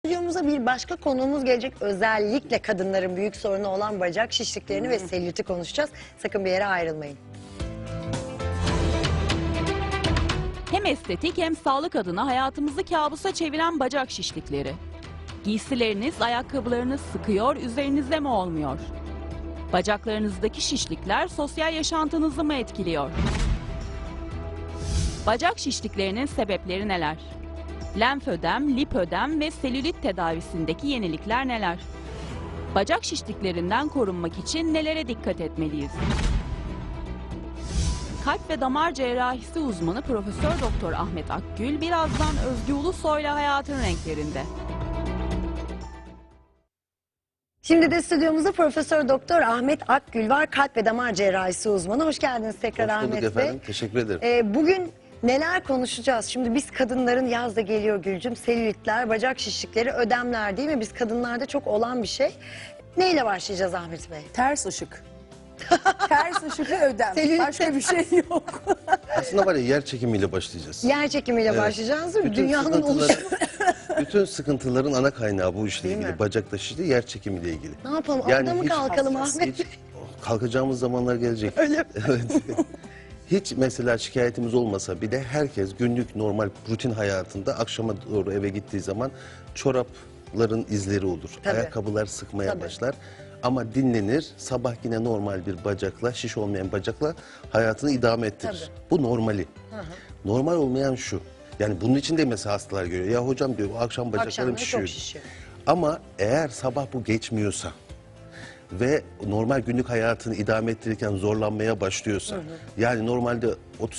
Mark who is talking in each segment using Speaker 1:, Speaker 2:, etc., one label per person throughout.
Speaker 1: Stüdyomuza bir başka konuğumuz gelecek. Özellikle kadınların büyük sorunu olan bacak şişliklerini ve selüliti konuşacağız. Sakın bir yere ayrılmayın.
Speaker 2: Hem estetik hem sağlık adına hayatımızı kabusa çeviren bacak şişlikleri. Giysileriniz, ayakkabılarınız sıkıyor, üzerinizde mi olmuyor? Bacaklarınızdaki şişlikler sosyal yaşantınızı mı etkiliyor? Bacak şişliklerinin sebepleri neler? Lenfödem, lipödem ve selülit tedavisindeki yenilikler neler? Bacak şişliklerinden korunmak için nelere dikkat etmeliyiz? Kalp ve damar cerrahisi uzmanı Profesör Doktor Ahmet Akgül birazdan Özgü Ulusoy'la hayatın renklerinde.
Speaker 1: Şimdi de stüdyomuzda Profesör Doktor Ahmet Akgül var. Kalp ve damar cerrahisi uzmanı. Hoş geldiniz tekrar
Speaker 3: Hoş bulduk
Speaker 1: Ahmet Bey.
Speaker 3: efendim. Teşekkür ederim.
Speaker 1: Bugün neler konuşacağız? Şimdi biz kadınların, yaz da geliyor Gülcüm, selülitler, bacak şişlikleri, ödemler değil mi? Biz kadınlarda çok olan bir şey. Neyle başlayacağız Ahmet Bey?
Speaker 4: Ters ışık. Ters ışık ve ödem.
Speaker 1: Selülit.
Speaker 4: Başka bir şey yok.
Speaker 3: Aslında var ya, yer çekimiyle başlayacağız.
Speaker 1: Yer çekimiyle
Speaker 3: Evet.
Speaker 1: başlayacağız değil mi?
Speaker 3: Bütün
Speaker 1: Dünyanın
Speaker 3: sıkıntıları-
Speaker 1: oluşumu.
Speaker 3: Bütün sıkıntıların ana kaynağı bu işle
Speaker 1: Değil
Speaker 3: ilgili.
Speaker 1: mi?
Speaker 3: Bacakta şişli, yer çekimiyle ilgili.
Speaker 1: Ne yapalım?
Speaker 3: Yani
Speaker 1: Orada mı
Speaker 3: hiç
Speaker 1: kalkalım
Speaker 4: hassas,
Speaker 1: Ahmet Bey?
Speaker 3: Kalkacağımız zamanlar gelecek.
Speaker 1: Öyle mi?
Speaker 3: Evet. Hiç mesela şikayetimiz olmasa bile herkes günlük normal rutin hayatında akşama doğru eve gittiği zaman çorapların izleri olur.
Speaker 1: Tabii.
Speaker 3: Ayakkabılar sıkmaya
Speaker 1: Tabii.
Speaker 3: başlar. Ama dinlenir, sabah yine normal bir bacakla, şiş olmayan bacakla hayatını idame ettirir.
Speaker 1: Tabii.
Speaker 3: Bu normali. Normal olmayan şu. Yani bunun için de mesela hastalar görüyor. Ya hocam diyor, o akşam bacaklarım
Speaker 1: Akşamları
Speaker 3: şişiyor.
Speaker 1: çok şişiyor.
Speaker 3: Ama eğer sabah bu geçmiyorsa ve normal günlük hayatını idame ettirirken zorlanmaya başlıyorsa, yani normalde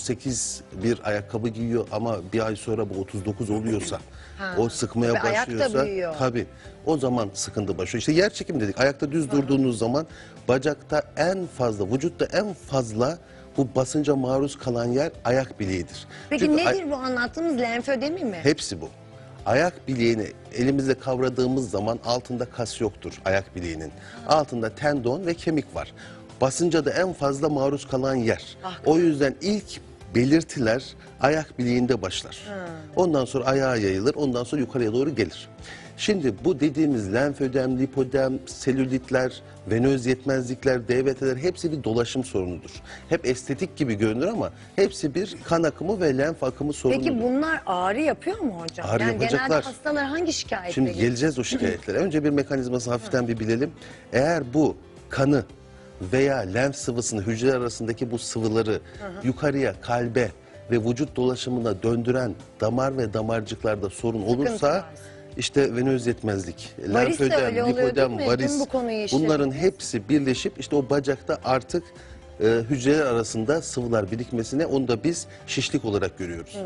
Speaker 3: 38 bir ayakkabı giyiyor ama bir ay sonra bu 39 oluyorsa, o sıkmaya
Speaker 1: Tabii ayak da
Speaker 3: başlıyorsa,
Speaker 1: büyüyor.
Speaker 3: tabii o zaman sıkıntı başlıyor. İşte yer çekim dedik. Ayakta düz durduğunuz zaman bacakta en fazla, vücutta en fazla bu basınca maruz kalan yer ayak bileğidir.
Speaker 1: Peki
Speaker 3: Çünkü
Speaker 1: nedir bu anlattığımız lenfödemi mi?
Speaker 3: hepsi bu. Ayak bileğini elimizle kavradığımız zaman altında kas yoktur ayak bileğinin. Altında tendon ve kemik var. Basınca da en fazla maruz kalan yer. O yüzden ilk belirtiler ayak bileğinde başlar. Ondan sonra ayağa yayılır, ondan sonra yukarıya doğru gelir. Şimdi bu dediğimiz lenfödem, lipödem, selülitler, venöz yetmezlikler, DVT'ler hepsi bir dolaşım sorunudur. Hep estetik gibi görünür ama hepsi bir kan akımı ve lenf akımı sorunudur.
Speaker 1: Peki bunlar ağrı yapıyor mu hocam?
Speaker 3: Ağrı
Speaker 1: yani genelde
Speaker 3: yapacaklar.
Speaker 1: hastalar hangi şikayetle
Speaker 3: Şimdi
Speaker 1: geliyor?
Speaker 3: geleceğiz o şikayetlere. Önce bir mekanizması hafiften bir bilelim. Eğer bu kanı veya lenf sıvısını, hücreler arasındaki bu sıvıları yukarıya, kalbe ve vücut dolaşımına döndüren damar ve damarcıklarda sorun olursa
Speaker 1: varsa.
Speaker 3: işte venöz yetmezlik,
Speaker 1: Varis de öyle
Speaker 3: lenfödem,
Speaker 1: oluyor
Speaker 3: lipödem,
Speaker 1: değil mi?
Speaker 3: varis,
Speaker 1: Dün bu konuyu işledik.
Speaker 3: bunların hepsi birleşip işte o bacakta artık hücreler arasında sıvılar birikmesine, onu da biz şişlik olarak görüyoruz.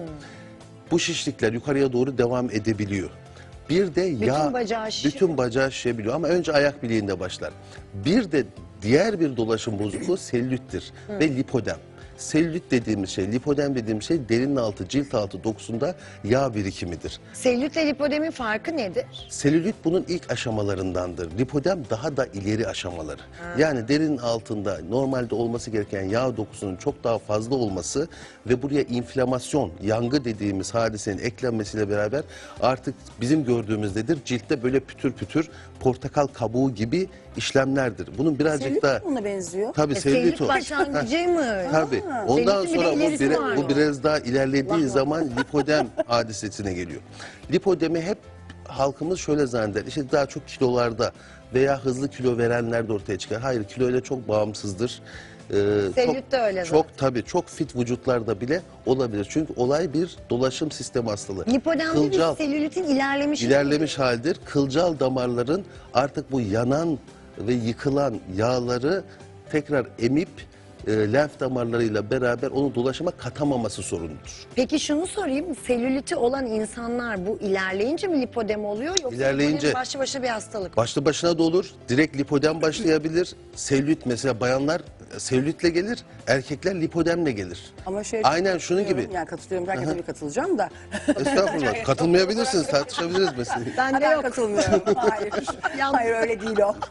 Speaker 3: Bu şişlikler yukarıya doğru devam edebiliyor. Bir de yağ,
Speaker 1: bacağı şişiyor.
Speaker 3: bütün bacağı şişebiliyor ama önce ayak bileğinde başlar. Bir de diğer bir dolaşım bozukluğu selülittir ve lipödem. Selülit dediğimiz şey, lipödem dediğimiz şey derinin altı, cilt altı dokusunda yağ birikimidir.
Speaker 1: Selülitle lipodemin farkı nedir?
Speaker 3: Selülit bunun ilk aşamalarındandır. Lipödem daha da ileri aşamaları. Yani derinin altında normalde olması gereken yağ dokusunun çok daha fazla olması ve buraya inflamasyon, yangı dediğimiz hadisenin eklenmesiyle beraber artık bizim gördüğümüzdedir. Ciltte böyle pütür pütür portakal kabuğu gibi işlemlerdir. Bunun birazcık
Speaker 4: Selülit
Speaker 3: daha...
Speaker 4: buna benziyor.
Speaker 3: Tabii selülit
Speaker 1: Selülit
Speaker 3: o.
Speaker 1: başlangıcı mı?
Speaker 3: Tabii. Ondan
Speaker 1: Selülitin bir de
Speaker 3: sonra
Speaker 1: ilerisi var
Speaker 3: bu
Speaker 1: mı?
Speaker 3: biraz daha ilerlediği
Speaker 1: Allah
Speaker 3: zaman lipödem hadisesine geliyor. Lipödemi hep halkımız şöyle zanneder. İşte daha çok kilolarda veya hızlı kilo verenler de ortaya çıkar. Hayır, kiloyla çok bağımsızdır.
Speaker 1: Selülit de öyle
Speaker 3: çok tabii çok fit vücutlarda bile olabilir. Çünkü olay bir dolaşım sistemi hastalığı.
Speaker 1: Lipodemde
Speaker 3: Kılcal,
Speaker 1: bir selülitin ilerlemiş.
Speaker 3: ilerlemiş haldir. Kılcal damarların artık bu yanan ve yıkılan yağları tekrar emip lenf damarlarıyla beraber onu dolaşıma katamaması sorunudur.
Speaker 1: Peki şunu sorayım, selüliti olan insanlar bu ilerleyince mi lipodem oluyor yoksa
Speaker 3: İlerleyince-
Speaker 1: lipodem başlı başına bir hastalık mı?
Speaker 3: Başlı başına da olur. Direkt lipödem başlayabilir. Selülit mesela bayanlar selülitle gelir, erkekler lipödemle gelir.
Speaker 4: Ama şey,
Speaker 3: Aynen şunun gibi.
Speaker 4: Yani katılıyorum. Herkese bir katılacağım da.
Speaker 3: Estağfurullah. Katılmayabilirsiniz, tartışabiliriz mesela.
Speaker 1: Ben de
Speaker 4: Ben
Speaker 1: yok.
Speaker 4: katılmıyorum. Hayır.
Speaker 1: Yalnız-
Speaker 4: Hayır, öyle değil o.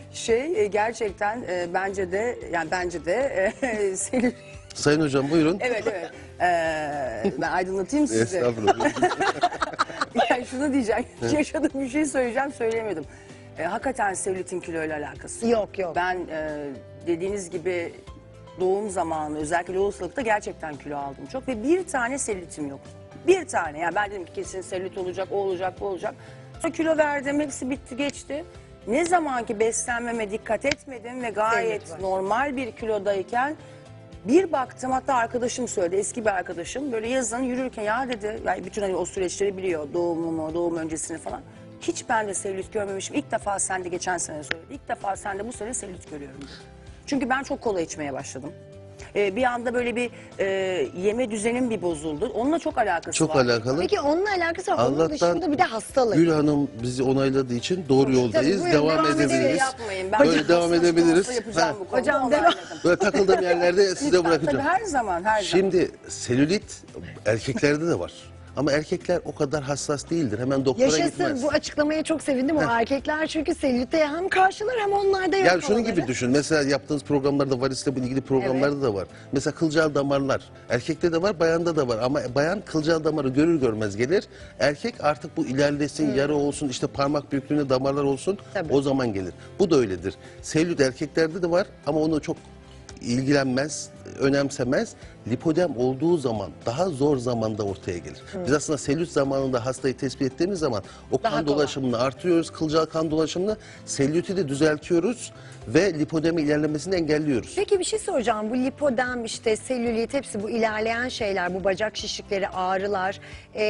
Speaker 4: Gerçekten bence de selülit.
Speaker 3: Sayın hocam buyurun.
Speaker 4: Evet. Ben aydınlatayım sizi.
Speaker 3: Estağfurullah.
Speaker 4: Yani şunu diyeceğim. Yaşadığım bir şey söyleyeceğim, söyleyemedim. Hakikaten selülitin kiloyla alakası yok.
Speaker 1: Yok.
Speaker 4: Ben dediğiniz gibi doğum zamanı özellikle lohusalıkta gerçekten kilo aldım çok ve bir tane selülitim yoktu. Bir tane. Yani ben dedim ki kesin selülit olacak, o olacak, bu olacak. Sonra kilo verdim, hepsi bitti geçti. Ne zaman ki beslenmeme dikkat etmedim ve gayet
Speaker 1: Selülit var.
Speaker 4: normal bir kilodayken bir baktım, hatta arkadaşım söyledi, eski bir arkadaşım, böyle yazın yürürken ya dedi, yani bütün hani o süreçleri biliyor, doğumumu, doğum öncesini falan. Hiç ben de selülit görmemişim. İlk defa sen de geçen sene söyledi. İlk defa sen de bu sene selülit görüyorum dedi. Çünkü ben çok kola içmeye başladım. Bir anda böyle bir yeme düzenim bir bozuldu. Onunla çok alakası
Speaker 3: Çok
Speaker 4: var.
Speaker 3: alakalı.
Speaker 1: Peki onunla alakası var. Onun
Speaker 3: Allah'tan
Speaker 1: dışında bir de hastalık.
Speaker 3: Gül Hanım bizi onayladığı için doğru yoldayız.
Speaker 1: buyurun,
Speaker 3: Devam
Speaker 1: devam
Speaker 3: edebiliriz.
Speaker 1: edelim.
Speaker 4: Yapmayın. Ben
Speaker 3: Böyle devam
Speaker 4: hasta
Speaker 3: edebiliriz.
Speaker 4: yapacağım
Speaker 3: Ha.
Speaker 4: bu konuda.
Speaker 1: Hocam,
Speaker 4: Onayladım.
Speaker 3: Böyle takıldığım yerlerde size
Speaker 4: Lütfen,
Speaker 3: bırakacağım.
Speaker 4: tabii her zaman, her zaman.
Speaker 3: Şimdi selülit erkeklerde de var. Ama erkekler o kadar hassas değildir. Hemen doktora
Speaker 1: Yaşasın,
Speaker 3: gitmez.
Speaker 1: bu açıklamaya çok sevindim. O erkekler çünkü selülite hem karşılar hem onlarda yok
Speaker 3: Yani şunun
Speaker 1: olanları.
Speaker 3: gibi düşün. Mesela yaptığınız programlarda varisle ilgili programlarda da var. Mesela kılcal damarlar. Erkekte de var, bayanda da var. Ama bayan kılcal damarı görür görmez gelir. Erkek artık bu ilerlesin, yara olsun, işte parmak büyüklüğünde damarlar olsun.
Speaker 1: Tabii.
Speaker 3: O zaman gelir. Bu da öyledir. Selülit erkeklerde de var ama onu çok ilgilenmez, önemsemez. Lipodem olduğu zaman daha zor zamanda ortaya gelir. Biz aslında selülit zamanında hastayı tespit ettiğimiz zaman o
Speaker 1: Daha
Speaker 3: kan
Speaker 1: kolay.
Speaker 3: dolaşımını artırıyoruz, kılcal kan dolaşımını, selüliti de düzeltiyoruz ve lipodemi ilerlemesini engelliyoruz.
Speaker 1: Peki bir şey soracağım. Bu lipodem, işte selülit, hepsi bu ilerleyen şeyler, bu bacak şişlikleri, ağrılar.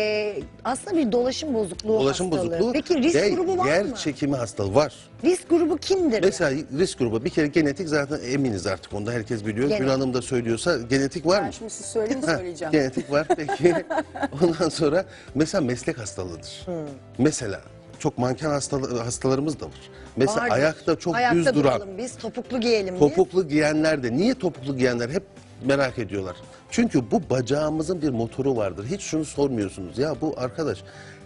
Speaker 1: Aslında bir dolaşım bozukluğu
Speaker 3: Dolaşım
Speaker 1: hastalığı.
Speaker 3: bozukluğu
Speaker 1: Peki risk
Speaker 3: ve
Speaker 1: grubu var
Speaker 3: yer
Speaker 1: mı?
Speaker 3: çekimi hastalığı var.
Speaker 1: Risk grubu kimdir?
Speaker 3: Mesela risk grubu bir kere genetik, zaten eminiz artık, onda herkes biliyor.
Speaker 1: Genetik.
Speaker 3: Gül Hanım da söylüyorsa genetik var
Speaker 4: Ben
Speaker 3: mı?
Speaker 4: şimdi siz söyleyin,
Speaker 3: Ha,
Speaker 4: söyleyeceğim.
Speaker 3: genetik var peki. Ondan sonra mesela meslek hastalığıdır. Mesela çok manken hastalarımız da var. Mesela
Speaker 1: Vardır.
Speaker 3: ayakta çok
Speaker 1: Ayakta
Speaker 3: düz duran,
Speaker 1: duralım biz, topuklu giyelim biz.
Speaker 3: topuklu giyenler de, niye topuklu giyenler hep merak ediyorlar. Çünkü bu bacağımızın bir motoru vardır. Hiç şunu sormuyorsunuz. Ya bu arkadaş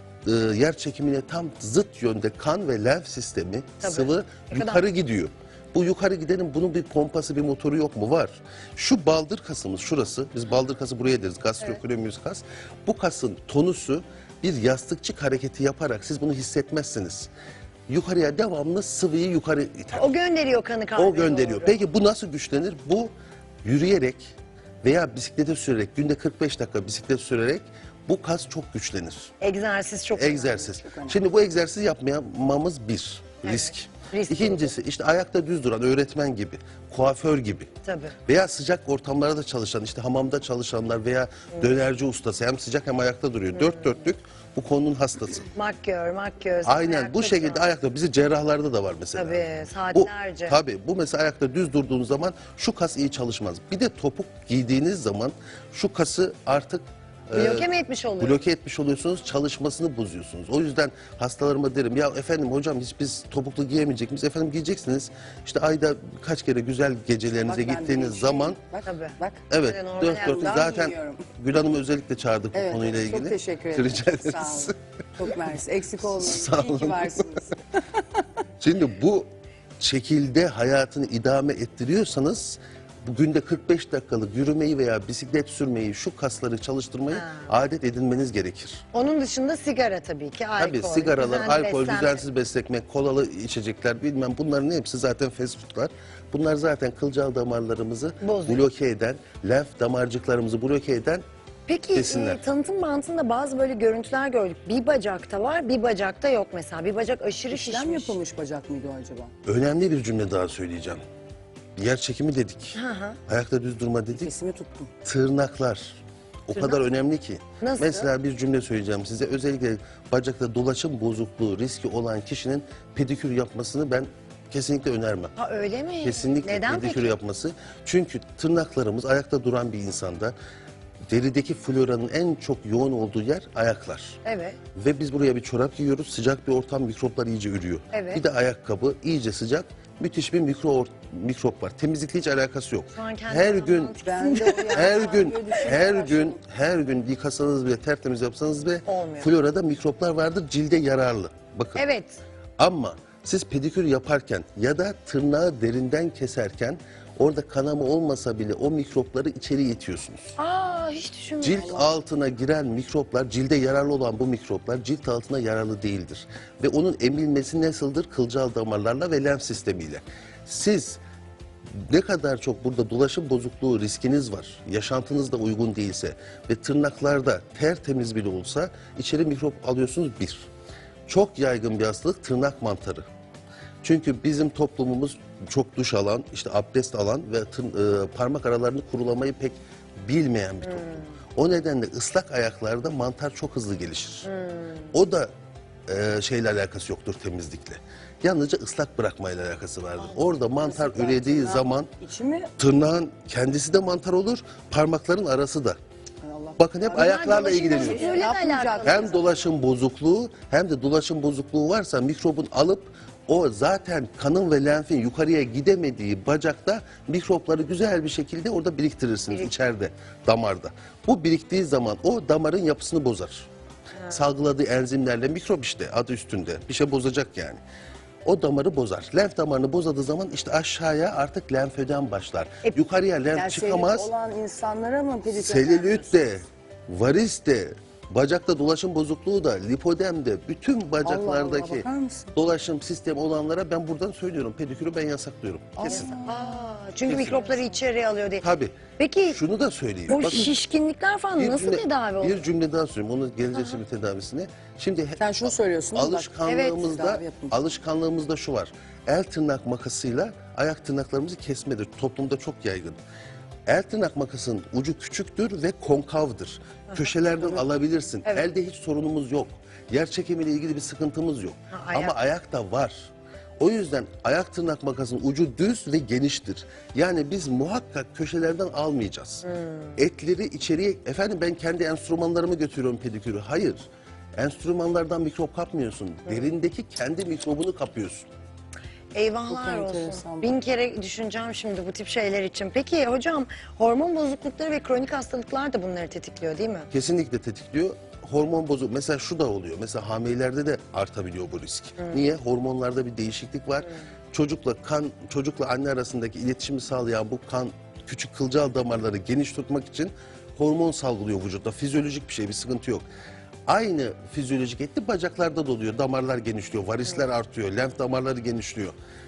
Speaker 3: yer çekimine tam zıt yönde kan ve lenf sistemi,
Speaker 1: Tabii.
Speaker 3: sıvı
Speaker 1: Ne kadar-
Speaker 3: yukarı gidiyor. Bu yukarı gidenin bunun bir pompası, bir motoru yok mu? Var. Şu baldır kasımız şurası, biz baldır kası buraya deriz, gastrocnemius kas. Bu kasın tonusu bir yastıkçık hareketi yaparak siz bunu hissetmezsiniz. Yukarıya devamlı sıvıyı yukarı iter.
Speaker 1: O gönderiyor kanı kalbe
Speaker 3: O gönderiyor.
Speaker 1: doğru.
Speaker 3: Peki bu nasıl güçlenir? Bu yürüyerek veya bisiklete sürerek, günde 45 dakika bisiklet sürerek bu kas çok güçlenir.
Speaker 1: Egzersiz çok
Speaker 3: Egzersiz.
Speaker 4: önemli.
Speaker 3: Şimdi bu egzersiz yapmamamız bir risk.
Speaker 1: Risk
Speaker 3: İkincisi işte ayakta düz duran öğretmen gibi, kuaför gibi.
Speaker 1: Tabii.
Speaker 3: Veya sıcak ortamlarda çalışan, işte hamamda çalışanlar veya dönerci ustası, hem sıcak hem ayakta duruyor. Dört dörtlük bu konunun hastası.
Speaker 1: Makyöz.
Speaker 3: Aynen
Speaker 1: ayakta
Speaker 3: bu şekilde
Speaker 1: duran.
Speaker 3: ayakta, bizi cerrahlarda da var mesela.
Speaker 1: Tabii, saatlerce.
Speaker 3: Tabii bu mesela ayakta düz durduğunuz zaman şu kas iyi çalışmaz. Bir de topuk giydiğiniz zaman şu kası artık
Speaker 1: Bloke mi etmiş oluyor?
Speaker 3: bloke etmiş oluyorsunuz, çalışmasını bozuyorsunuz. O yüzden hastalarıma derim, ya efendim hocam hiç biz topuklu giyemeyecek miyiz? Efendim giyeceksiniz. İşte ayda kaç kere güzel gecelerinize
Speaker 4: Bak, ben de
Speaker 3: gittiğiniz
Speaker 4: geçiyorum.
Speaker 3: zaman,
Speaker 4: Bak,
Speaker 1: Tabii.
Speaker 4: bak.
Speaker 3: evet,
Speaker 1: normal
Speaker 3: dört
Speaker 1: yani.
Speaker 3: dörtlük
Speaker 4: Ben
Speaker 3: zaten
Speaker 4: giyiyorum.
Speaker 3: Gül Hanım'ı özellikle çağırdık bu
Speaker 4: Evet,
Speaker 3: konuyla ilgili.
Speaker 4: çok teşekkür ederim.
Speaker 3: Rica
Speaker 4: Sağ
Speaker 3: ederiz.
Speaker 4: olun. Çok mersi. Eksik olmayın.
Speaker 3: Sağ
Speaker 4: İyi ki
Speaker 3: olun.
Speaker 4: varsınız.
Speaker 3: Şimdi bu şekilde hayatını idame ettiriyorsanız bu günde 45 dakikalık yürümeyi veya bisiklet sürmeyi, şu kasları çalıştırmayı adet edinmeniz gerekir.
Speaker 1: Onun dışında sigara tabii ki, alkol.
Speaker 3: Tabii sigaralar,
Speaker 1: düzenli
Speaker 3: alkol,
Speaker 1: beslenme.
Speaker 3: düzensiz beslenme, kolalı içecekler, bilmem, bunların hepsi zaten fast foodlar. Bunlar zaten kılcal damarlarımızı
Speaker 1: Bozuyor.
Speaker 3: bloke eden, lenf damarcıklarımızı bloke eden.
Speaker 1: Peki
Speaker 3: Besinler.
Speaker 1: tanıtım bantında bazı böyle görüntüler gördük. Bir bacakta var, bir bacakta yok mesela. Bir bacak aşırı
Speaker 4: İşlem
Speaker 1: şişmiş.
Speaker 4: yapılmış bacak mıydı o acaba?
Speaker 3: Önemli bir cümle daha söyleyeceğim. Yer çekimi dedik. Ayakta düz durma dedik.
Speaker 4: Sesimi tuttum.
Speaker 3: Tırnaklar o kadar önemli ki.
Speaker 1: Nasıl?
Speaker 3: Mesela bir cümle söyleyeceğim size. Özellikle bacakta dolaşım bozukluğu riski olan kişinin pedikür yapmasını ben kesinlikle önermem.
Speaker 1: Ha öyle mi?
Speaker 3: Kesinlikle
Speaker 1: Neden
Speaker 3: pedikür
Speaker 1: peki?
Speaker 3: yapması. Çünkü tırnaklarımız ayakta duran bir insanda derideki floranın en çok yoğun olduğu yer ayaklar.
Speaker 1: Evet.
Speaker 3: Ve biz buraya bir çorap giyiyoruz. Sıcak bir ortam, mikroplar iyice ürüyor.
Speaker 1: Evet.
Speaker 3: Bir de ayakkabı iyice sıcak. Müthiş bir mikrop var. Temizlikle hiç alakası yok.
Speaker 1: Şu an kendimi
Speaker 3: Her gün
Speaker 1: anlamak
Speaker 4: Ben de o
Speaker 3: her
Speaker 4: yani
Speaker 3: gün
Speaker 4: böyle düşünmeye
Speaker 3: her
Speaker 4: başladım.
Speaker 3: gün her gün yıkasanız bile, tertemiz yapsanız bile
Speaker 1: Olmuyor.
Speaker 3: florada mikroplar vardır, cilde yararlı. Bakın.
Speaker 1: Evet.
Speaker 3: Ama siz pedikür yaparken ya da tırnağı derinden keserken orada kanama olmasa bile o mikropları içeri itiyorsunuz.
Speaker 1: Aa Aa, hiç düşünmedim.
Speaker 3: Cilt altına giren mikroplar, cilde yararlı olan bu mikroplar cilt altına yararlı değildir. Ve onun emilmesi nasıldır? Kılcal damarlarla ve lenf sistemiyle. Siz ne kadar çok burada dolaşım bozukluğu riskiniz var, yaşantınız da uygun değilse ve tırnaklarda tertemiz bile olsa içeri mikrop alıyorsunuz bir. Çok yaygın bir hastalık tırnak mantarı. Çünkü bizim toplumumuz çok duş alan, işte abdest alan ve parmak aralarını kurulamayı pek bilmeyen bir toplum. O nedenle ıslak ayaklarda mantar çok hızlı gelişir. O da şeyle alakası yoktur, temizlikle. Yalnızca ıslak bırakmayla alakası vardır. Orada mantar ürediği zaman
Speaker 4: İçi mi?
Speaker 3: tırnağın kendisi de mantar olur, parmakların arası da.
Speaker 4: Hay Allah.
Speaker 3: Bakın hep ayaklarla
Speaker 1: dolaşım
Speaker 3: ilgileniyoruz.
Speaker 1: bozukluğuyla da
Speaker 4: Yapmayacak.
Speaker 1: alakalı.
Speaker 3: Hem dolaşım bozukluğu hem de dolaşım bozukluğu varsa mikrobun alıp o zaten kanın ve lenfin yukarıya gidemediği bacakta mikropları güzel bir şekilde orada biriktirirsiniz içeride, damarda. Bu biriktiği zaman o damarın yapısını bozar. Salgıladığı enzimlerle mikrop işte adı üstünde bir şey bozacak yani. O damarı bozar. Lenf damarını bozadığı zaman işte aşağıya artık lenfödem başlar. Yukarıya lenf
Speaker 4: Yani
Speaker 3: çıkamaz.
Speaker 4: selülit olan insanlara mı pedikür
Speaker 3: Selülit de, varis de, bacakta dolaşım bozukluğu da, lipodem de, bütün bacaklardaki
Speaker 4: bakar mısın?
Speaker 3: dolaşım sistemi olanlara ben buradan söylüyorum. Pedikürü ben yasaklıyorum. Kesin.
Speaker 1: Çünkü mikropları içeriye alıyor diye.
Speaker 3: Tabii.
Speaker 1: Peki
Speaker 3: Şunu da söyleyeyim.
Speaker 1: bu
Speaker 3: Bakın,
Speaker 1: şişkinlikler falan nasıl tedavi oluyor?
Speaker 3: bir cümle daha söyleyeyim. Onu geleceğiz şimdi tedavisine. Şimdi
Speaker 4: Sen şunu söylüyorsun, değil mi? Bak,
Speaker 3: alışkanlığımızda,
Speaker 4: tedavi yapın.
Speaker 3: alışkanlığımızda şu var. El tırnak makasıyla ayak tırnaklarımızı kesmedir. Toplumda çok yaygın. El tırnak makasının ucu küçüktür ve konkavdır. Köşelerden alabilirsin. Elde hiç sorunumuz yok. Yer çekimiyle ilgili bir sıkıntımız yok.
Speaker 1: ayak.
Speaker 3: Ama ayakta var. O yüzden ayak tırnak makasının ucu düz ve geniştir. Yani biz muhakkak köşelerden almayacağız. Etleri içeriye, efendim ben kendi enstrümanlarımı götürüyorum pedikürü. Hayır. Enstrümanlardan mikrop kapmıyorsun. Derindeki kendi mikrobunu kapıyorsun.
Speaker 1: Eyvahlar
Speaker 4: Çok
Speaker 1: olsun.
Speaker 4: enteresan.
Speaker 1: 1000 kere düşüneceğim şimdi bu tip şeyler için. Peki hocam hormon bozuklukları ve kronik hastalıklar da bunları tetikliyor değil mi?
Speaker 3: Kesinlikle tetikliyor. Hormon bozuk. Mesela şu da oluyor. Mesela hamilelerde de artabiliyor bu risk. Niye? Hormonlarda bir değişiklik var. Çocukla anne arasındaki iletişimi sağlayan bu kan küçük kılcal damarları geniş tutmak için hormon salgılıyor vücutta. Fizyolojik bir şey, bir sıkıntı yok. Aynı fizyolojik etki bacaklarda da oluyor. Damarlar genişliyor, varisler artıyor, lenf damarları genişliyor.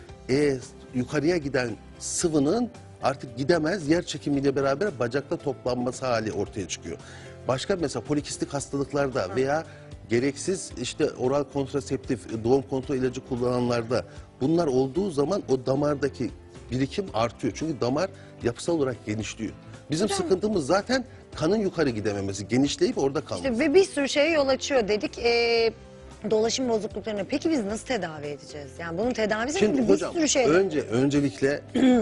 Speaker 3: Yukarıya giden sıvının artık gidemez, yer çekimiyle beraber bacakta toplanması hali ortaya çıkıyor. Başka mesela polikistik hastalıklarda veya gereksiz işte oral kontraseptif, doğum kontrol ilacı kullananlarda bunlar olduğu zaman o damardaki birikim artıyor. Çünkü damar yapısal olarak genişliyor. Bizim sıkıntımız zaten kanın yukarı gidememesi, genişleyip orada kalması.
Speaker 1: İşte ve bir sürü şeye yol açıyor dedik. Dolaşım bozukluklarını peki biz nasıl tedavi edeceğiz? Yani bunun tedavisi
Speaker 3: Şimdi
Speaker 1: gibi bir
Speaker 3: hocam
Speaker 1: sürü şey.
Speaker 3: öncelikle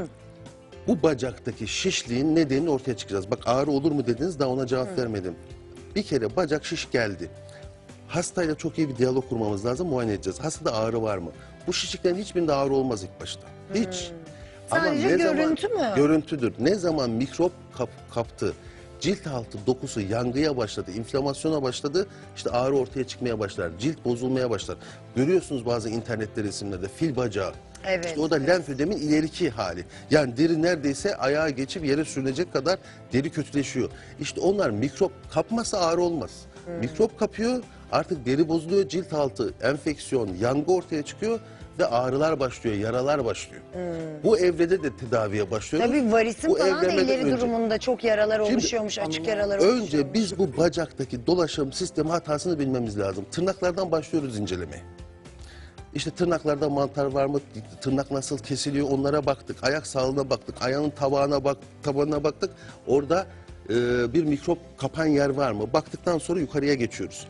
Speaker 3: bu bacaktaki şişliğin nedenini ortaya çıkacağız. Bak ağrı olur mu dediniz, daha ona cevap vermedim. Bir kere bacak şiş geldi. Hastayla çok iyi bir diyalog kurmamız lazım, muayene edeceğiz. Hastada ağrı var mı? Bu şişliklerin hiçbirinde ağrı olmaz ilk başta. Hiç.
Speaker 1: Sadece görüntü mü?
Speaker 3: Görüntüdür. Ne zaman mikrop kaptı, cilt altı dokusu yangıya başladı, inflamasyona başladı, işte ağrı ortaya çıkmaya başlar, cilt bozulmaya başlar. Görüyorsunuz bazı internette resimlerde fil bacağı.
Speaker 1: Evet.
Speaker 3: İşte o da lenfödemin ileriki hali. Yani deri neredeyse ayağa geçip yere sürünecek kadar deri kötüleşiyor. İşte onlar mikrop kapmasa ağrı olmaz. Mikrop kapıyor, artık deri bozuluyor, cilt altı enfeksiyon, yangı ortaya çıkıyor ve ağrılar başlıyor, yaralar başlıyor. Bu evrede de tedaviye başlıyoruz.
Speaker 1: Tabii varisin
Speaker 3: Bu
Speaker 1: falan da
Speaker 3: evlemeden
Speaker 1: ileri
Speaker 3: önce.
Speaker 1: durumunda çok yaralar
Speaker 3: Şimdi,
Speaker 1: oluşuyormuş, açık yaralar oluşuyormuş.
Speaker 3: Önce biz bu bacaktaki dolaşım sistemi hatasını bilmemiz lazım. Tırnaklardan başlıyoruz incelemeye. İşte tırnaklarda mantar var mı? Tırnak nasıl kesiliyor? Onlara baktık. Ayak sağlığına baktık. Ayağın tabanına baktık. Orada bir mikrop kapan yer var mı? Baktıktan sonra yukarıya geçiyoruz.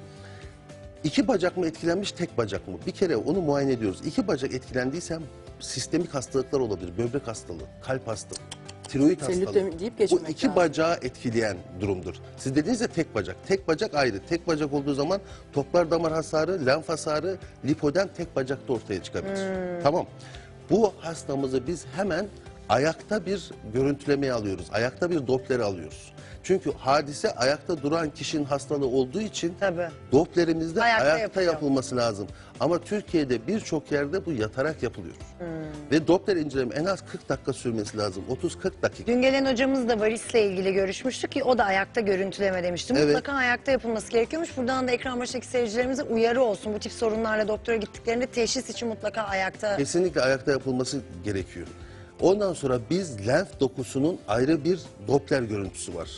Speaker 3: İki bacak mı etkilenmiş, tek bacak mı? Bir kere onu muayene ediyoruz. İki bacak etkilendiyse sistemik hastalıklar olabilir. Böbrek hastalığı, kalp hastalığı, tiroid
Speaker 4: Selülit
Speaker 3: hastalığı.
Speaker 4: deyip
Speaker 3: Bu
Speaker 4: geçmemek
Speaker 3: iki
Speaker 4: lazım.
Speaker 3: bacağı etkileyen durumdur. Siz dediğiniz de tek bacak. Tek bacak ayrı. Tek bacak olduğu zaman toplar damar hasarı, lenf hasarı, lipodem tek bacakta ortaya çıkabilir. Tamam. Bu hastamızı biz hemen ayakta bir görüntülemeye alıyoruz. Ayakta bir Doppler alıyoruz. Çünkü hadise ayakta duran kişinin hastalığı olduğu için
Speaker 1: Tabii.
Speaker 3: Doppler'imizde
Speaker 1: Ayakta
Speaker 3: ayakta
Speaker 1: yapılıyor.
Speaker 3: yapılması lazım. Ama Türkiye'de birçok yerde bu yatarak yapılıyor.
Speaker 1: Hmm.
Speaker 3: Ve Doppler inceleme en az 40 dakika sürmesi lazım. 30-40 dakika.
Speaker 1: Dün gelen hocamız da varisle ilgili görüşmüştük ki o da ayakta görüntüleme demişti.
Speaker 3: Evet.
Speaker 1: Mutlaka ayakta yapılması gerekiyormuş. Buradan da ekran başındaki seyircilerimize uyarı olsun. Bu tip sorunlarla doktora gittiklerinde teşhis için mutlaka ayakta.
Speaker 3: Kesinlikle ayakta yapılması gerekiyor. Ondan sonra biz lenf dokusunun ayrı bir Doppler görüntüsü var.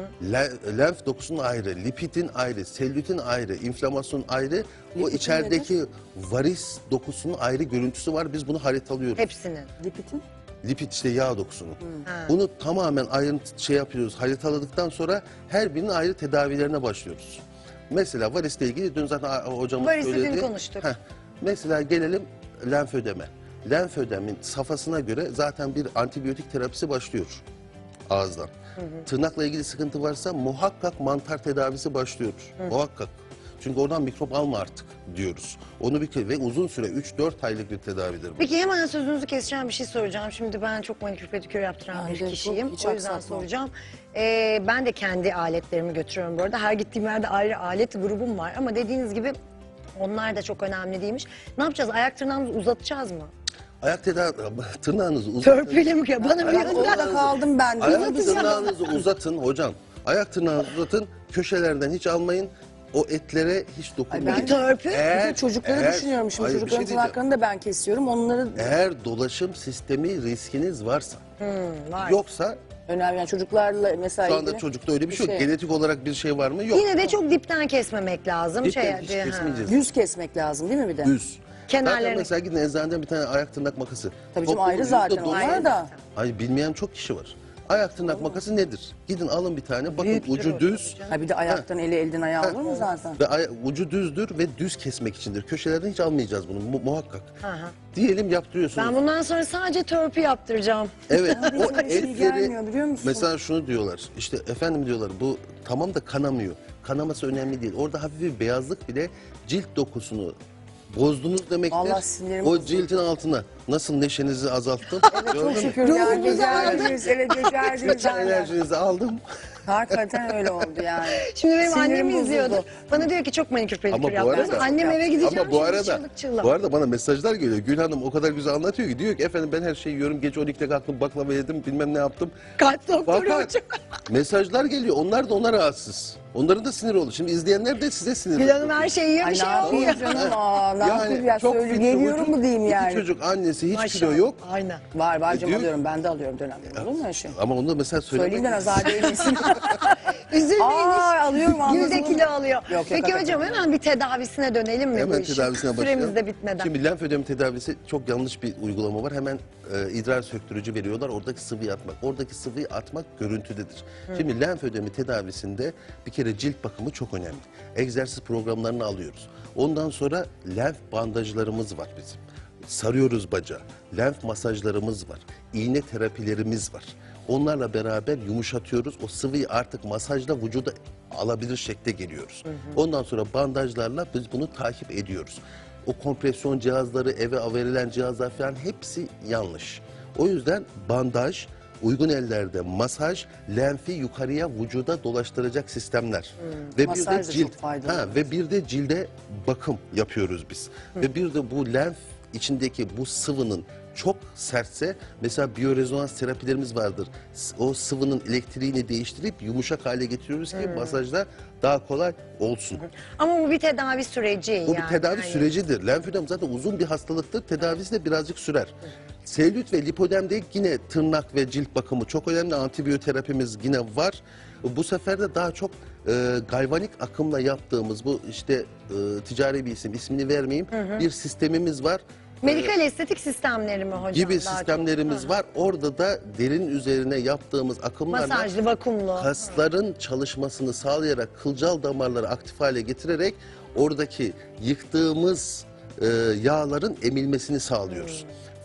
Speaker 3: Lenf dokusunun ayrı, lipidin ayrı, selülitin ayrı, inflamasyonun ayrı. O
Speaker 4: Lipidin
Speaker 3: içerideki varis dokusunun ayrı görüntüsü var. Biz bunu haritalıyoruz.
Speaker 1: Hepsinin.
Speaker 4: Lipidin?
Speaker 3: Lipid işte yağ dokusunun. Bunu tamamen ayrıntı yapıyoruz. Haritaladıktan sonra her birinin ayrı tedavilerine başlıyoruz. Mesela varisle ilgili dün zaten hocamız
Speaker 1: Varisi dün
Speaker 3: söyledi.
Speaker 1: konuştuk.
Speaker 3: Mesela gelelim lenfödeme. Lenfödemin safhasına göre zaten bir antibiyotik terapisi başlıyor ağızdan. Tırnakla ilgili sıkıntı varsa muhakkak mantar tedavisi başlıyor. Muhakkak. Çünkü oradan mikrop alma artık diyoruz. Onu ve uzun süre 3-4 aylık bir tedavidir bu.
Speaker 1: Peki hemen sözünüzü keseceğim bir şey soracağım. Şimdi ben çok manikür pedikür yaptıran
Speaker 4: Ben
Speaker 1: bir
Speaker 4: de
Speaker 1: kişiyim.
Speaker 4: çok, hiç
Speaker 1: O yüzden
Speaker 4: aksatmam.
Speaker 1: soracağım. Ben de kendi aletlerimi götürüyorum bu arada. Her gittiğim yerde ayrı alet grubum var. Ama dediğiniz gibi onlar da çok önemli değilmiş. Ne yapacağız? Ayak tırnağımızı uzatacağız mı?
Speaker 3: Ayak tırnağınızı uzatın.
Speaker 1: Törpüyle mi? Bana bir
Speaker 4: Bak orada kaldım ben de.
Speaker 3: Ayak tırnağınızı uzatın hocam. Ayak tırnağınızı uzatın. Köşelerden hiç almayın. O etlere hiç dokunmayın.
Speaker 1: Peki törpü?
Speaker 4: Bütün çocukları düşünüyorum şimdi.
Speaker 3: Hayır, bir
Speaker 4: Çocukların
Speaker 3: şey diyeceğim.
Speaker 4: tırnaklarını da ben kesiyorum. Onları
Speaker 3: Eğer dolaşım sistemi riskiniz varsa,
Speaker 1: Var.
Speaker 3: yoksa
Speaker 4: önemli. Yani çocuklarla mesela
Speaker 3: şu anda
Speaker 4: ilgili
Speaker 3: çocukta öyle bir şey yok.
Speaker 4: şey.
Speaker 3: Genetik olarak bir şey var mı? Yok.
Speaker 1: Yine de çok dipten kesmemek lazım.
Speaker 3: Dipten hiç
Speaker 1: diye, ha.
Speaker 3: kesmeyeceğiz.
Speaker 4: düz kesmek lazım değil mi bir de?
Speaker 3: Düz.
Speaker 1: Kenarlarını-
Speaker 3: Zaten mesela gidin eczaneden bir tane ayak tırnak makası.
Speaker 4: Tabii canım,
Speaker 3: Toplumun
Speaker 4: ayrı zaten
Speaker 3: %90
Speaker 4: onlar da.
Speaker 3: Hayır, bilmeyen çok kişi var. Ayak tırnak makası nedir? Gidin alın bir tane. Bakın
Speaker 1: Büyüktür
Speaker 3: ucu
Speaker 1: o
Speaker 3: düz.
Speaker 4: Ha bir de ayaktan eli elden ayağı olur mu zaten?
Speaker 3: Ve ucu düzdür ve düz kesmek içindir. Köşelerden hiç almayacağız bunu muhakkak.
Speaker 1: Aha.
Speaker 3: Diyelim yaptırıyorsunuz.
Speaker 1: Ben bundan sonra sadece törpü yaptıracağım.
Speaker 3: Evet, o
Speaker 4: Hiçbir şey
Speaker 3: etleri
Speaker 4: gelmiyor biliyor musun?
Speaker 3: mesela şunu diyorlar. İşte efendim diyorlar, bu tamam da kanamıyor. Kanaması önemli değil. Orada hafif bir beyazlık bile cilt dokusunu bozdunuz demektir.
Speaker 4: Allah sinirimi
Speaker 3: O
Speaker 4: bozuldu.
Speaker 3: cildin altına nasıl neşenizi azalttım.
Speaker 4: Evet,
Speaker 3: Gördün
Speaker 4: çok
Speaker 3: mü?
Speaker 4: şükür ya. Becerdiniz, evet becerdiniz.
Speaker 3: Bütün
Speaker 4: aynen.
Speaker 3: enerjinizi aldım.
Speaker 4: Hakikaten öyle oldu yani.
Speaker 1: Şimdi benim
Speaker 4: Sinirim
Speaker 1: annem
Speaker 4: bozuldu.
Speaker 1: izliyordu. Bana diyor ki çok manikür pedikür
Speaker 3: Ama bu
Speaker 1: yaptırıyorsun.
Speaker 3: arada-
Speaker 1: Annem eve gideceğim.
Speaker 3: Ama bu
Speaker 1: şimdi
Speaker 3: arada
Speaker 1: çığlık çığlık.
Speaker 3: bu arada bana mesajlar geliyor. Gül Hanım o kadar güzel anlatıyor ki, diyor ki efendim ben her şeyi yiyorum. Gece 12'de kalktım, baklava yedim, bilmem ne yaptım.
Speaker 1: Kalp doktoru
Speaker 3: Fakat
Speaker 1: hocam.
Speaker 3: mesajlar geliyor. Onlar da ona rahatsız. Onların da sinir oldu. Şimdi izleyenler de size sinir
Speaker 1: Gül Hanım
Speaker 3: oldu.
Speaker 1: her şeyi yiyor,
Speaker 4: Ay
Speaker 1: bir
Speaker 4: ne
Speaker 1: şey olmuyor.
Speaker 4: yapayım canım? Aa, ne yapayım ya?
Speaker 3: çok
Speaker 4: Söyle,
Speaker 3: fit
Speaker 4: geliyorum
Speaker 3: çocuk,
Speaker 4: mu diyeyim
Speaker 3: iki
Speaker 4: yani?
Speaker 3: çocuk, annesi, hiç
Speaker 1: Maşallah.
Speaker 3: kilo yok.
Speaker 1: Aynen.
Speaker 4: Var var canım
Speaker 3: diyor-
Speaker 4: alıyorum. Ben de alıyorum dönemde. Olur mu öyle şey?
Speaker 3: Ama onu da mesela
Speaker 4: Söyleyeyim de
Speaker 3: söylemek.
Speaker 4: nazar değmesin.
Speaker 1: Üzülmeyin.
Speaker 4: Aa, alıyorum,
Speaker 1: Gül
Speaker 4: anladım.
Speaker 1: de kilo alıyor.
Speaker 4: yok,
Speaker 1: Peki
Speaker 4: hakikaten.
Speaker 1: hocam hemen bir tedavisine dönelim mi bu
Speaker 3: Hemen
Speaker 1: işin?
Speaker 3: tedavisine başlayalım.
Speaker 1: Süremiz de bitmeden.
Speaker 3: Şimdi lenfödem tedavisi çok yanlış bir uygulama var. Hemen idrar söktürücü veriyorlar. Oradaki sıvıyı atmak. Oradaki sıvıyı atmak görüntüdedir. Şimdi lenfödemi tedavisinde bir kere cilt bakımı çok önemli. Egzersiz programlarını alıyoruz. Ondan sonra lenf bandajlarımız var bizim. Sarıyoruz bacağı. Lenf masajlarımız var. İğne terapilerimiz var. Onlarla beraber yumuşatıyoruz. O sıvıyı artık masajla vücuda alabilir şekle geliyoruz. Ondan sonra bandajlarla biz bunu takip ediyoruz. O kompresyon cihazları, eve verilen cihazlar falan hepsi yanlış. O yüzden bandaj, uygun ellerde masaj, lenfi yukarıya vücuda dolaştıracak sistemler. Ve bir
Speaker 4: Masaj
Speaker 3: de
Speaker 4: da
Speaker 3: cilt,
Speaker 4: çok faydalı.
Speaker 3: ve bir de cilde bakım yapıyoruz biz. Ve bir de bu lenf içindeki bu sıvının çok sertse, mesela biyorezonans terapilerimiz vardır. O sıvının elektriğini değiştirip yumuşak hale getiriyoruz ki masajda daha kolay olsun.
Speaker 1: Ama bu bir tedavi süreci
Speaker 3: Bu
Speaker 1: yani.
Speaker 3: bir tedavi
Speaker 1: Yani
Speaker 3: sürecidir. Lenfödem zaten uzun bir hastalıktır. Tedavisi de birazcık sürer. Selülit ve lipödemde yine tırnak ve cilt bakımı çok önemli. Antibiyoterapimiz yine var. Bu sefer de daha çok galvanik akımla yaptığımız bu işte ticari bir isim, ismini vermeyeyim, bir sistemimiz var.
Speaker 1: Medikal estetik sistemleri mi hocam?
Speaker 3: Gibi
Speaker 1: daha
Speaker 3: sistemlerimiz
Speaker 1: çok?
Speaker 3: var. Orada da derin üzerine yaptığımız akımlarla
Speaker 1: Masajlı, vakumlu.
Speaker 3: kasların çalışmasını sağlayarak kılcal damarları aktif hale getirerek oradaki yıktığımız yağların emilmesini sağlıyoruz.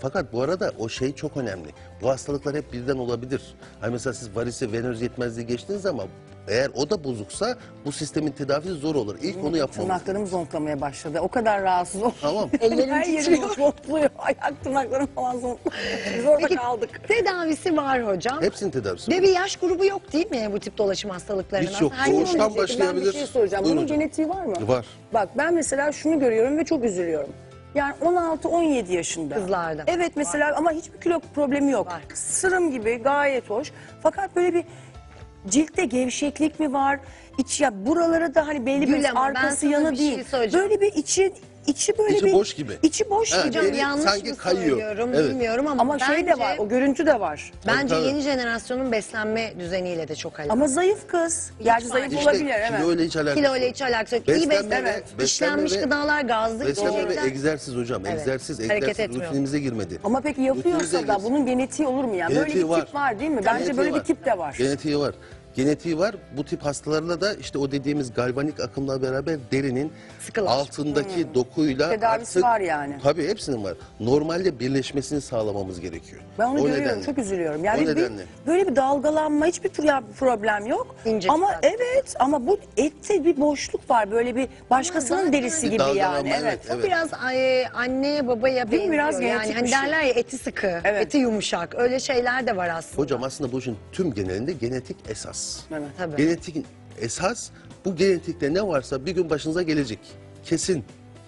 Speaker 3: Fakat bu arada o şey çok önemli. Bu hastalıklar hep birden olabilir. Hani mesela siz varisi, venöz yetmezliği geçtiniz ama eğer o da bozuksa bu sistemin tedavisi zor olur. İlk onu yapmamız.
Speaker 4: Tırnaklarım zonklamaya başladı. O kadar rahatsız oldum.
Speaker 3: Tamam.
Speaker 1: Ellerim
Speaker 4: Her yerim
Speaker 1: titriyor.
Speaker 4: zonkluyor. Ayak tırnaklarım falan zonkluyor. Biz orada
Speaker 1: Peki
Speaker 4: kaldık.
Speaker 1: tedavisi var hocam.
Speaker 3: Hepsinin tedavisi var.
Speaker 1: Ve bir yaş grubu yok değil mi bu tip dolaşım hastalıklarının?
Speaker 3: Hiç yok.
Speaker 1: Aslında
Speaker 3: Doğuştan
Speaker 1: herkesin-
Speaker 3: başlayabilir.
Speaker 4: Ben bir şey soracağım.
Speaker 3: Buyurun
Speaker 4: Bunun
Speaker 3: hocam.
Speaker 4: genetiği var mı?
Speaker 3: Var.
Speaker 4: Bak ben mesela şunu görüyorum ve çok üzülüyorum. Yani 16-17 yaşında.
Speaker 1: Kızlarda.
Speaker 4: Evet mesela ama hiçbir kilo problemi yok.
Speaker 1: Var.
Speaker 4: Sırım gibi gayet hoş. Fakat böyle bir ciltte gevşeklik mi var? İç ya buraları da hani belli
Speaker 1: Gül
Speaker 4: bir
Speaker 1: ama ben
Speaker 4: arkası
Speaker 1: sana
Speaker 4: yanı
Speaker 1: bir şey
Speaker 4: değil.
Speaker 1: söyleyeceğim.
Speaker 4: Böyle bir içi böyle
Speaker 3: İçi
Speaker 4: bir
Speaker 3: boş gibi.
Speaker 4: İçi boş
Speaker 3: Evet,
Speaker 4: gibi.
Speaker 1: Hocam
Speaker 3: Biri
Speaker 1: yanlış
Speaker 3: sanki
Speaker 1: mı
Speaker 3: kayıyor.
Speaker 1: söylüyorum
Speaker 3: Evet.
Speaker 1: bilmiyorum ama,
Speaker 4: Ama şey de var, o görüntü de var.
Speaker 1: Bence
Speaker 3: Tabii.
Speaker 1: yeni jenerasyonun beslenme düzeniyle de çok alakalı.
Speaker 4: Ama zayıf kız. Gerçi
Speaker 1: Hiç
Speaker 4: zayıf
Speaker 1: fark
Speaker 4: olabilir
Speaker 3: İşte
Speaker 4: evet.
Speaker 3: kilo ile hiç alakası
Speaker 1: Kilo ile
Speaker 3: yok.
Speaker 1: hiç alakası yok. İyi
Speaker 3: Beslenme
Speaker 1: beslenme,
Speaker 3: ve- beslenme
Speaker 1: işlenmiş
Speaker 3: ve-
Speaker 1: gıdalar, gazlı
Speaker 3: Beslenme ve
Speaker 1: içerikler.
Speaker 3: egzersiz hocam.
Speaker 1: Evet.
Speaker 3: Egzersiz,
Speaker 1: Hareket
Speaker 3: egzersiz
Speaker 1: etmiyor.
Speaker 3: rutinimize girmedi.
Speaker 4: Ama peki yapıyorsa
Speaker 3: Rutinimize
Speaker 4: da
Speaker 3: girsin.
Speaker 4: bunun genetiği olur mu yani? Böyle
Speaker 3: Genetiği
Speaker 4: bir tip var değil mi? Bence
Speaker 3: Genetiği
Speaker 4: böyle
Speaker 3: var.
Speaker 4: bir tip de var.
Speaker 3: Genetiği var. Genetiği var. Bu tip hastalarla da işte o dediğimiz galvanik akımla beraber derinin
Speaker 1: Sıkılar.
Speaker 3: altındaki dokuyla
Speaker 4: Tedavisi var yani.
Speaker 3: Tabii hepsinin var. Normalde birleşmesini sağlamamız gerekiyor.
Speaker 4: Ben onu
Speaker 3: O
Speaker 4: görüyorum,
Speaker 3: nedenle.
Speaker 4: çok üzülüyorum.
Speaker 3: O
Speaker 4: Yani
Speaker 3: nedenle.
Speaker 4: böyle bir dalgalanma, hiçbir problem yok.
Speaker 1: İnce
Speaker 4: ama
Speaker 1: zaten.
Speaker 4: evet, ama bu ette bir boşluk var. Böyle bir başkasının
Speaker 1: zaten
Speaker 4: derisi
Speaker 3: bir
Speaker 4: gibi
Speaker 3: dalgalanma,
Speaker 4: yani. Evet.
Speaker 3: evet.
Speaker 1: O biraz anneye babaya
Speaker 4: Değil mi?
Speaker 1: benziyor.
Speaker 4: Biraz
Speaker 1: yani
Speaker 4: genetik
Speaker 1: hani
Speaker 4: bir şey.
Speaker 1: derler ya eti sıkı,
Speaker 4: Evet.
Speaker 1: eti yumuşak. Öyle şeyler de var aslında.
Speaker 3: Hocam aslında bu işin tüm genelinde genetik esas.
Speaker 4: Evet.
Speaker 1: Tabii.
Speaker 3: Genetik esas, bu genetikte ne varsa bir gün başınıza gelecek. Kesin.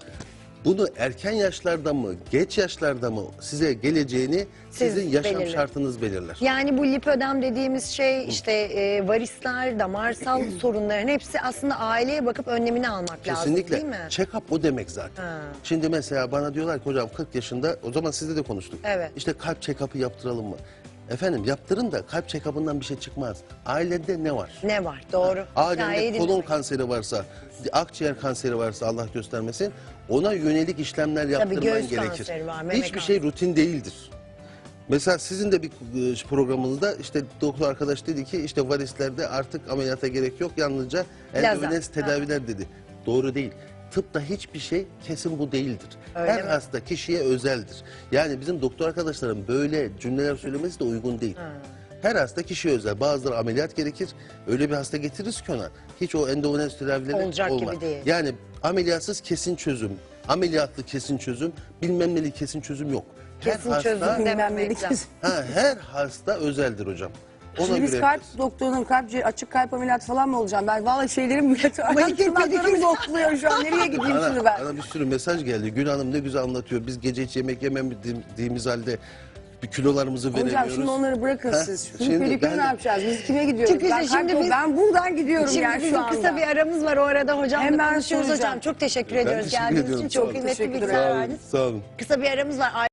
Speaker 3: Bunu erken yaşlarda mı, geç yaşlarda mı size geleceğini sizin yaşam
Speaker 1: belirleyin.
Speaker 3: şartınız belirler.
Speaker 1: Yani bu lipödem dediğimiz şey işte varisler, damarsal sorunların hepsi aslında aileye bakıp önlemini almak lazım
Speaker 3: Kesinlikle.
Speaker 1: değil mi?
Speaker 3: Check-up o demek zaten.
Speaker 1: Ha.
Speaker 3: Şimdi mesela bana diyorlar ki hocam 40 yaşında, o zaman sizle de konuştuk.
Speaker 1: Evet.
Speaker 3: İşte kalp check-up'ı yaptıralım mı? Efendim yaptırın da kalp check-up'ından bir şey çıkmaz. Ailede ne var?
Speaker 1: Ne var? Doğru. Hikayeyi
Speaker 3: Ailede kolon
Speaker 1: dinlemek.
Speaker 3: kanseri varsa, akciğer kanseri varsa Allah göstermesin, ona yönelik işlemler yaptırman
Speaker 1: göğüs
Speaker 3: gerekir.
Speaker 1: kanseri var, meme
Speaker 3: Hiçbir şey rutin değildir. Mesela sizin de bir programınızda işte doktor arkadaş dedi ki işte varislerde artık ameliyata gerek yok, yalnızca endovenöz tedaviler dedi. Doğru değil. Tıpta hiçbir şey kesin bu değildir.
Speaker 1: Öyle
Speaker 3: Her
Speaker 1: mi?
Speaker 3: hasta kişiye özeldir. Yani bizim doktor arkadaşların böyle cümleler söylemesi de uygun değil. Her hasta kişiye özel. Bazıları ameliyat gerekir. Öyle bir hasta getiririz ki ona. Hiç o endovenöz tedavileri
Speaker 1: Olacak gibi
Speaker 3: olmaz.
Speaker 1: değil.
Speaker 3: Yani ameliyatsız kesin çözüm, ameliyatlı kesin çözüm, bilmem neli kesin çözüm yok.
Speaker 1: Kesin çözüm dememek lazım.
Speaker 3: Her hasta özeldir hocam. Ona
Speaker 4: Şimdi biz
Speaker 3: göre
Speaker 4: kalp
Speaker 3: yaparız.
Speaker 4: doktorunun açık kalp ameliyatı falan mı olacağım? Ben vallahi şeylerim
Speaker 1: Pedikür,
Speaker 4: tırnaklarım zokluyor şu an. Nereye gideyim şimdi ben?
Speaker 3: Bana bir sürü mesaj geldi. Gül Hanım ne güzel anlatıyor. Biz gece hiç yemek yemediğimiz halde bir kilolarımızı veremiyoruz.
Speaker 4: Hocam şimdi onları bırakın siz. Şimdi
Speaker 3: Şimdi
Speaker 4: pedikür
Speaker 3: ben-
Speaker 4: ne yapacağız? Biz kime gidiyoruz?
Speaker 1: Çünkü
Speaker 4: Ben,
Speaker 1: şimdi biz-
Speaker 4: ben buradan gidiyorum
Speaker 1: Şimdi
Speaker 4: yani
Speaker 1: bizim
Speaker 4: şu anda.
Speaker 1: kısa bir aramız var o arada hocamla
Speaker 4: Hemen
Speaker 1: konuşuyoruz
Speaker 4: soracağım.
Speaker 1: hocam. Çok teşekkür
Speaker 3: Ben
Speaker 1: ediyoruz.
Speaker 3: teşekkür
Speaker 1: Geldiğiniz
Speaker 3: ediyorum.
Speaker 1: için çok
Speaker 3: Sağ olun.
Speaker 1: kıymetli
Speaker 4: Teşekkür
Speaker 1: bilgiler
Speaker 4: ederim.
Speaker 3: Sağ olun,
Speaker 1: verdiniz.
Speaker 3: sağ olun.
Speaker 1: Kısa bir aramız var.